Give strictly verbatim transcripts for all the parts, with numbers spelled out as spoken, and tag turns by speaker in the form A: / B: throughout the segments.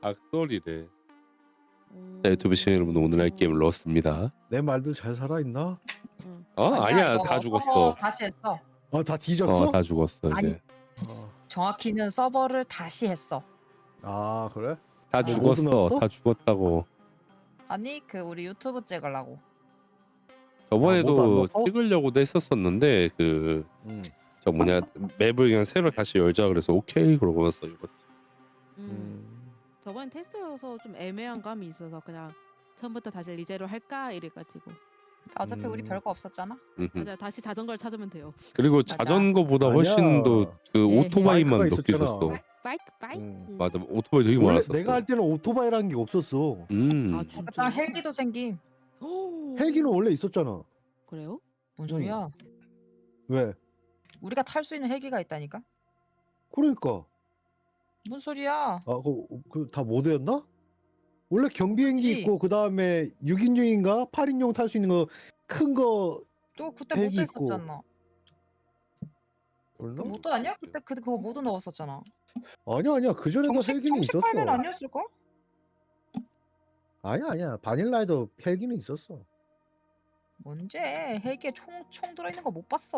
A: 악소리래.
B: 음.
A: 자, 유튜브 시청자 여러분, 오늘 할 게임은 러스트입니다.
C: 내 말들 잘 살아있나?
B: 응.
A: 어?
D: 아니야,
A: 아니야,
D: 이거
A: 다
D: 서버
A: 죽었어.
D: 다시 했어.
C: 아, 다 뒤졌어?
A: 어, 다 죽었어
D: 아니.
A: 이제.
C: 어.
D: 정확히는 서버를 다시 했어.
C: 아, 그래?
A: 다
D: 어.
A: 죽었어.
C: 넣었어?
A: 다 죽었다고.
D: 아니 그 우리 유튜브 찍으려고.
A: 저번에도
C: 모두 안 넣었어?
A: 찍으려고도 했었었는데 그 저
C: 음.
A: 뭐냐 맵을 그냥 새로 다시 열자 그래서 오케이 그러고서 이거
B: 음.
C: 음.
B: 저번 테스트여서 좀 애매한 감이 있어서 그냥 처음부터 다시 리제로 할까 이래가지고.
D: 어차피 우리
C: 음.
D: 별거 없었잖아.
A: 음흠.
B: 맞아, 다시 자전거를 찾으면 돼요.
A: 그리고
D: 맞아.
A: 자전거보다
C: 아니야.
A: 훨씬 더 그
B: 에헤.
A: 오토바이만
C: 바이크가
A: 몇 개
C: 있었잖아.
A: 있었어.
B: 바이크 바이크.
C: 음.
B: 음.
A: 맞아, 오토바이 되게
C: 원래
A: 많았었어.
C: 내가 할 때는 오토바이라는 게 없었어.
A: 음.
B: 아 진짜.
D: 일단 헬기도 생김.
B: 오.
C: 헬기는 원래 있었잖아.
B: 그래요?
D: 뭔 소리야?
C: 왜?
D: 우리가 탈 수 있는 헬기가 있다니까?
C: 그러니까.
D: 뭔 소리야?
C: 아, 그, 그 다 모드였나? 원래 경비행기
D: 그치.
C: 있고 그 다음에 육 인용인가 팔 인용 탈 수 있는 거 큰 거
D: 또 그때
C: 헬기
D: 모드
C: 있고.
D: 했었잖아. 그
C: 그랬나?
D: 모드 아니야? 그때 그 그거 모드 넣었었잖아.
C: 아니야 아니야 그 전에도
D: 정식
C: 헬기는
D: 정식
C: 있었어.
D: 팔면 아니었을걸?
C: 아니야 아니야 바닐라에도 헬기는 있었어.
D: 언제 헬기에 총 총 들어있는 거 못 봤어.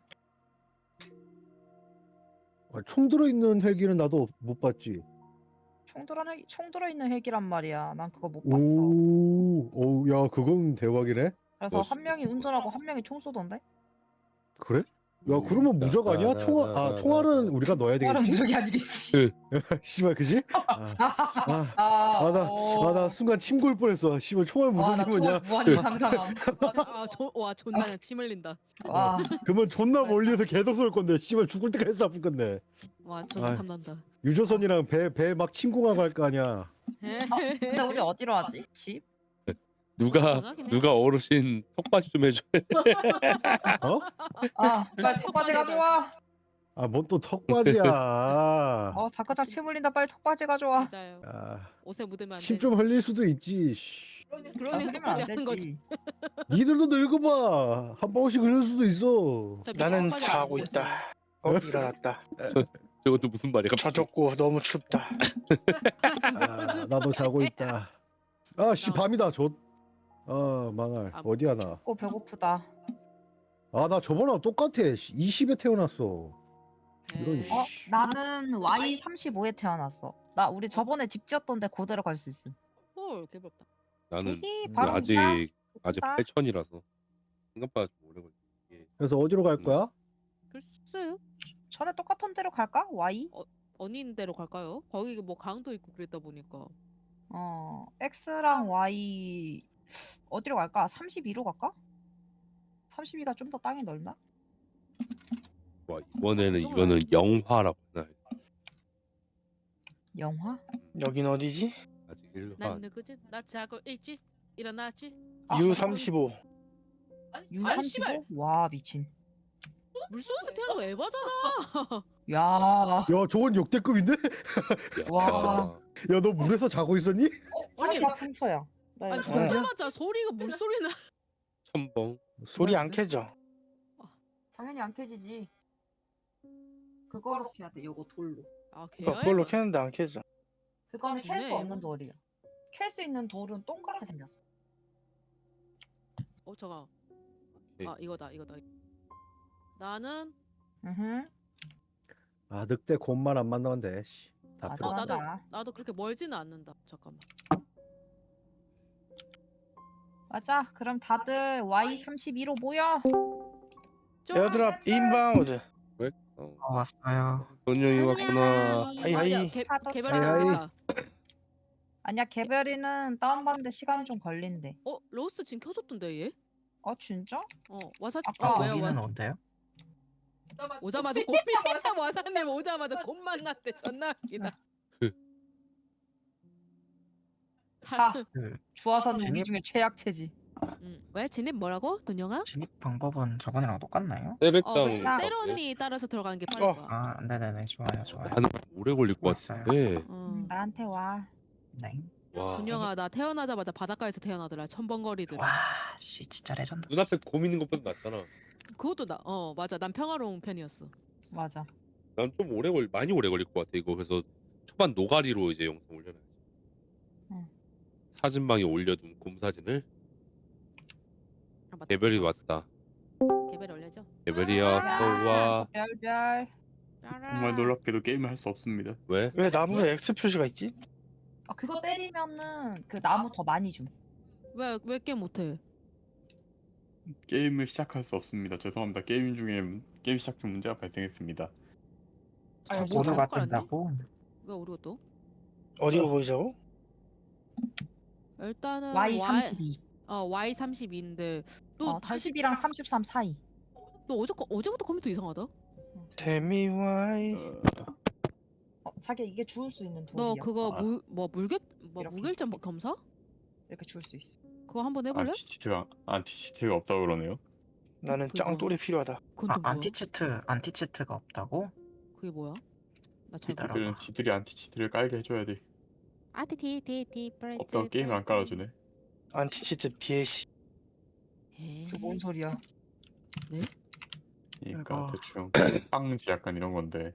C: 아, 총 들어있는 헬기는 나도 못 봤지.
D: 총 들어 총 들어있는 헬기란 말이야. 난 그거 못 봤어.
C: 오, 오, 야 그건 대박이네.
D: 그래서
A: 멋있-
D: 한 명이 운전하고 한 명이 총 쏘던데?
C: 그래? 야 그러면 무적 아니야? 총알 아 총알은 우리가 넣어야
D: 총알은
C: 되겠지?
D: 무적이 아니겠지.
C: 씨발 그지? 아,
D: 아,
C: 아나 아, 나 순간 침 골 뻔했어. 씨발 총알
D: 와, 나
C: 무적이 뭐냐?
D: 총알 무한히 상상함.
B: 아, 저, 와 존나 그냥 침 흘린다.
D: 와,
C: 그러면 존나 멀리에서 계속 쏠 건데 씨발 죽을 때까지 아플 건데.
B: 와 존나
C: 아이.
B: 탐난다.
C: 유조선이랑 배 배 막 침공하고 할 거 아니야.
D: 근데 우리 어디로 하지? 집?
A: 누가
B: 강하긴 해.
A: 누가 어르신 턱받이 좀 해줘.
C: 어?
D: 아, 빨리 턱받이 가져와.
C: 아 뭔 또 턱받이야.
D: 어, 다크작 침 흘린다. 빨리 턱받이 가져와.
B: 맞아요.
C: 아,
B: 옷에 묻으면 안 돼.
C: 침 좀 흘릴 수도 있지. 씨.
B: 그러니까
D: 흘리면 안
B: 턱받이 하는 거지.
D: 되지.
C: 니들도 늙어봐. 한 방울씩 흘릴 수도 있어.
B: 어차피
E: 나는
B: 턱받이
E: 자고
B: 하는 거지.
E: 있다. 어 일어났다.
A: 저것도 무슨 말이야? 갑자기.
E: 젖었고 너무 춥다.
C: 아, 나도 자고 있다. 아, 씨 밤이다. 저. 아, 망할.
B: 아,
C: 어디야 나?
D: 어, 배고프다.
C: 아, 나 저번랑 똑같아. 이십에 태어났어. 이런
B: 에이.
C: 씨.
D: 어, 나는 와이 삼십오에 태어났어. 나 우리 저번에 집 지었던데 그대로 갈 수 있음.
B: 헐 개부럽다.
A: 나는
D: 히히,
C: 음,
D: 바로
A: 아직
D: 이야.
A: 아직
D: 좋다.
A: 팔천이라서 생각보다 좀 오래 걸려. 이게
C: 그래서 어디로 갈 거야?
B: 글쎄요.
D: 전에 똑같은 데로 갈까? 와이?
B: 어닌 데로 갈까요? 거기 뭐 강도 있고 그랬다 보니까.
D: 어, X랑 Y 어디로 갈까? 삼십이로 갈까? 삼십이가 좀 더 땅이 넓나?
A: 와, 이번에는
B: 좀
A: 이거는 영화라고 하나.
D: 영화?
E: 여긴 어디지?
A: 아직 일화.
B: 난 누구지? 나 자고 있지? 일어났지?
D: 아,
E: 유 삼십오.
D: 유
B: 아니, 씨발.
D: 삼십오? 와, 미친.
B: 물속에서 태어난 거 에바잖아.
D: 야,
C: 야, 저건 역대급인데?
D: 와.
C: 야, 너 물에서 자고 있었니?
B: 아니,
D: 자기가 근처야. 나
B: 아니
D: 여기.
C: 진짜?
B: 듣자마자 소리가 물소리 나.
A: 첨벙.
E: 소리 안 켜져.
D: 당연히 안 켜지지. 그거로 켜야 돼. 요거 돌로.
B: 아
E: 그러니까
B: 개야.
E: 그걸로 켰는데 안 켜져.
D: 그거는 켤 수
B: 좋네,
D: 없는
B: 이거.
D: 돌이야. 켤 수 있는 돌은 동그랗게 생겼어.
B: 어 잠깐.
A: 오케이.
B: 아 이거다 이거다. 나는
D: 응.
C: 아, 늑대 곰만 안 만나면 돼. 씨. 다
D: 맞아,
B: 어,
C: 필요.
B: 나도
D: 맞아.
B: 나도 그렇게 멀지는 않는다. 잠깐만.
D: 맞아. 그럼 다들 와이 삼십이로 모여.
E: 에어드랍 인바운드.
A: 어.
F: 어, 왔어요.
A: 돈영이 왔구나.
E: 하이, 하이.
B: 야, 개,
D: 파도
B: 개별이
C: 하이, 하이.
B: 나왔다.
D: 아니야, 개별이는 다운받는데 시간 좀 걸린대.
B: 어 로스 지금 켜졌던데 얘?
D: 어, 진짜?
B: 어 와사.
D: 아까
B: 어, 왜요?
F: 여기는
B: 와,
F: 어때요?
B: 오자마자 곰이 와사 와사님 오자마자 곰 만났대. 존나 웃기다.
D: 다
F: 그
D: 주화선 무기
F: 진입-
D: 중에 최약체지.
B: 응. 왜 진입 뭐라고? 돈영아?
F: 진입 방법은 저번이랑 똑같나요?
A: 세르짱.
B: 어
D: 나-
B: 세론이 따라서 들어가는 게 빠를
E: 어.
B: 거야.
F: 아, 네네네, 좋아요, 좋아요.
A: 나는 오래 걸릴 것
F: 왔어요.
A: 같은데.
B: 어.
D: 음, 나한테 와.
F: 네.
A: 와.
B: 돈영아 나 태어나자마자 바닷가에서 태어나더라. 첨벙거리더라.
F: 와, 씨, 진짜 레전드.
A: 눈앞에 곰 있는 것보다 낫잖아.
B: 그것도 나. 어 맞아. 난 평화로운 편이었어.
D: 맞아.
A: 난 좀 오래 걸 많이 오래 걸릴 것 같아 이거. 그래서 초반 노가리로 이제 영상 올려놔. 사진방에 올려둔 곰 사진을.
B: 아, 맞다.
A: 개별이 왔다.
B: 개별 올려줘.
A: 개별이야 서와.
D: 별별.
G: 정말 놀랍게도 게임을 할 수 없습니다.
A: 왜?
E: 왜 나무에 X 표시가 있지?
D: 아 그거 때리면은 그 나무 더 많이 줌.
B: 왜왜 게임 못해?
G: 게임을 시작할 수 없습니다. 죄송합니다. 게임 중에 문- 게임 시작 중 문제가 발생했습니다.
D: 아니,
B: 뭐
D: 뭐
B: 잘못
F: 모두가
B: 깔았니?
F: 뜬다고?
B: 왜 우리가 또?
E: 어디로 보이자고?
B: 일단은
D: 와이 삼십이.
B: 어 와이 삼십이인데 또
D: 어,
B: 다시
D: 삼십이랑 삼십삼 사이.
B: 또 어제 거 어제부터 컴퓨터 이상하다.
E: Tell me why.
G: 어,
D: 어, 자기 이게 주울 수 있는
B: 너
D: 돌이야.
B: 그거
G: 아.
B: 무, 뭐 물결 뭐
D: 이렇게.
B: 무결점 검사?
D: 이렇게 주울 수 있어.
B: 그거 한번 해볼래?
G: 안티치트가 안티치트가 없다고 그러네요.
E: 나는
B: 그거.
E: 짱돌이 필요하다.
B: 그건
F: 아
B: 또 뭐야?
F: 안티치트 안티치트가 없다고?
B: 그게 뭐야? 나잘
F: 기다려.
G: 지들은 지들이 안티치트를 깔게 해줘야 돼.
B: 아티티티티 프렌즈
G: 없다고 게임을 안 깔아주네.
E: 안티치트 디엘씨.
D: 그 뭔 소리야?
G: 그러니까
F: 아이고.
G: 대충 빵지 약간 이런 건데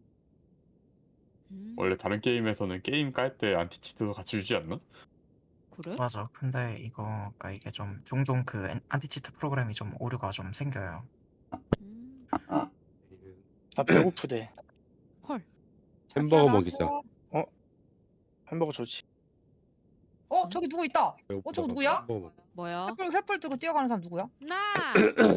B: 음,
G: 원래 다른 게임에서는 게임 깔 때 안티치트도 같이 주지 않나?
B: 그래?
F: 맞아. 근데 이거 그러니까 이게 좀 종종 그 엔- 안티치트 프로그램이 좀 오류가 좀 생겨요.
B: 음,
E: 나 배고프대.
B: 헐.
A: 햄버거
D: 자기야,
A: 먹이자.
D: 나도.
E: 햄버거 좋지.
D: 어 저기 누구 있다. 어, 저거 누구야?
A: 햄버거 먹-
B: 뭐야?
D: 횃불 횃불 들고 뛰어가는 사람 누구야?
B: 나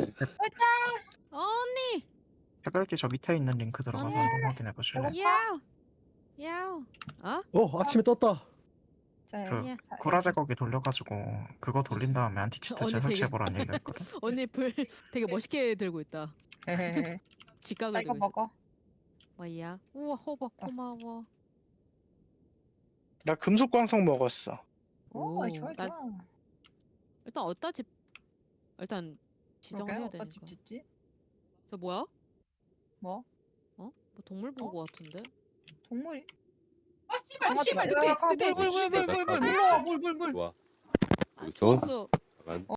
B: 언니
F: 해별기 저 밑에 있는 링크 들어가서
B: 아니.
F: 한번 확인해 보실래요?
B: 야우 야우 어?
C: 어 아침에 떴다.
D: 자,
F: 그
B: 예.
D: 자,
F: 구라 제거기 돌려가지고 그거 돌린 다음에 안티치트
B: 언니 되게-
F: 재설치해보라는 얘기가 있거든.
B: 언니 불 되게 멋있게 들고 있다.
D: 헤헤헤.
B: 직각을
D: 자 이거
B: 들고 있어.
D: 먹어.
B: 뭐야? 우와 호박 고마워.
E: 나 금속 광석 먹었어.
D: 오,
B: 오,
D: 좋아
B: 나-
D: 좋아.
B: 일단 어디다 집 일단 지정을
D: 그러게
B: 해야
D: 어디다 집
B: 되니까.
D: 짓지?
B: 저 뭐야?
D: 뭐?
B: 뭐 동물 본 거 같은데?
D: 동물이?
B: 아 씨발 씨발 늑대 늑대.
D: 물물물물물물
A: 늑대.
D: 물러와 물물물.
A: 좋아.
B: 아,
A: 있어?
B: 죽었어.
A: 잠깐.